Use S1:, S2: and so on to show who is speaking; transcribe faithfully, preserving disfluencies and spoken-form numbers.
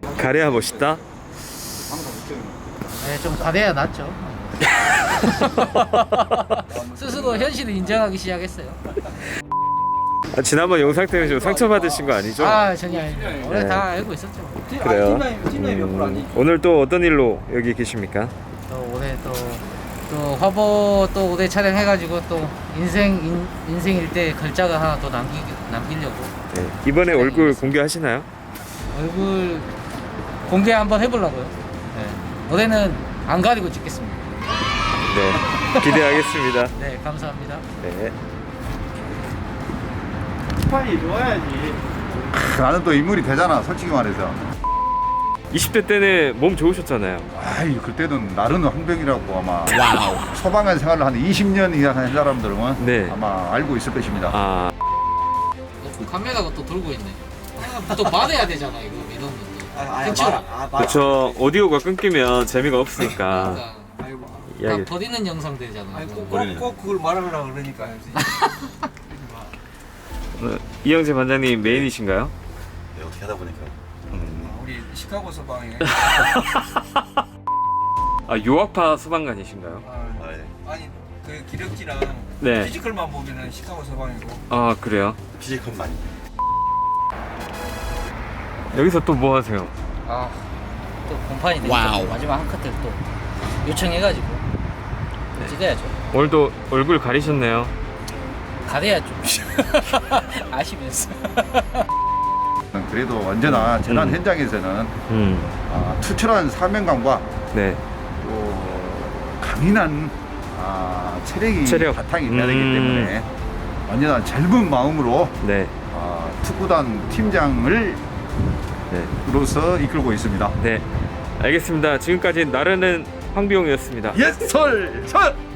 S1: 가래야 멋있다.
S2: 네, 좀 가대야 낫죠. 스스로 현실을 인정하기 시작했어요.
S1: 아, 지난번 영상 때문에 좀 상처받으신 거 아니죠?
S2: 아 전혀 아닙니다. 원래
S1: 네.
S2: 다 알고 있었죠.
S1: 그래요. 음, 오늘 또 어떤 일로 여기 계십니까?
S2: 또 올해 또, 또 화보 또 올해 촬영해가지고 또 인생 인, 인생 일대 걸작을 하나 또 남기 남기려고
S1: 네. 이번에 얼굴 공개하시나요?
S2: 얼굴 공개 한번 해보려고요. 네. 올해는 안 가리고 찍겠습니다.
S1: 네. 기대하겠습니다.
S2: 네, 감사합니다.
S1: 네.
S3: 스판이 좋아야지.
S4: 나는 또 인물이 되잖아, 솔직히 말해서.
S1: 이십 대 때는 몸 좋으셨잖아요.
S4: 아이, 그때는 나르는 황병이라고 아마 소방관 생활을 한 이십 년 이상 한 사람들은
S1: 네.
S4: 아마 알고 있을 것입니다.
S1: 아,
S2: 카메라가 또 돌고 있네. 아, 또 말해야 되잖아 이거 이런 것도. 그쵸?
S1: 그렇죠. 오디오가 끊기면 재미가 없으니까.
S2: 그러니까 다
S1: 이야기.
S2: 버리는 영상 되잖아.
S3: 아니
S2: 이거.
S3: 꼭, 꼭, 꼭 그걸 말하려고 그러니까.
S1: 오늘 이영재 반장님 메인이신가요?
S5: 네, 어떻게 하다 보니까.
S3: 우리 시카고 소방에
S1: 아, 유학파 소방관이신가요?
S3: 아,
S5: 아, 예.
S3: 아니 그 기력지랑
S1: 네.
S3: 피지컬만 보면은 시카고 소방이고.
S1: 아, 그래요?
S5: 피지컬 많이.
S1: 여기서 또 뭐 하세요?
S2: 아, 또 공판이 되니까 또 마지막 한 컷을 또 요청해가지고
S1: 네.
S2: 찍어야죠.
S1: 오늘도 얼굴 가리셨네요.
S2: 가려야죠. 아시면서.
S4: 그래도 언제나 재난
S1: 음.
S4: 현장에서는
S1: 음.
S4: 아, 투철한 사명감과
S1: 네.
S4: 또 강인한 아, 체력이
S1: 체력.
S4: 바탕이 돼야 되기
S1: 음.
S4: 때문에 언제나 젊은 마음으로
S1: 네.
S4: 아, 투구단 팀장을
S1: 네.
S4: 로서 이끌고 있습니다.
S1: 네. 알겠습니다. 지금까지 나르는 황비용이었습니다.
S4: 예설 첫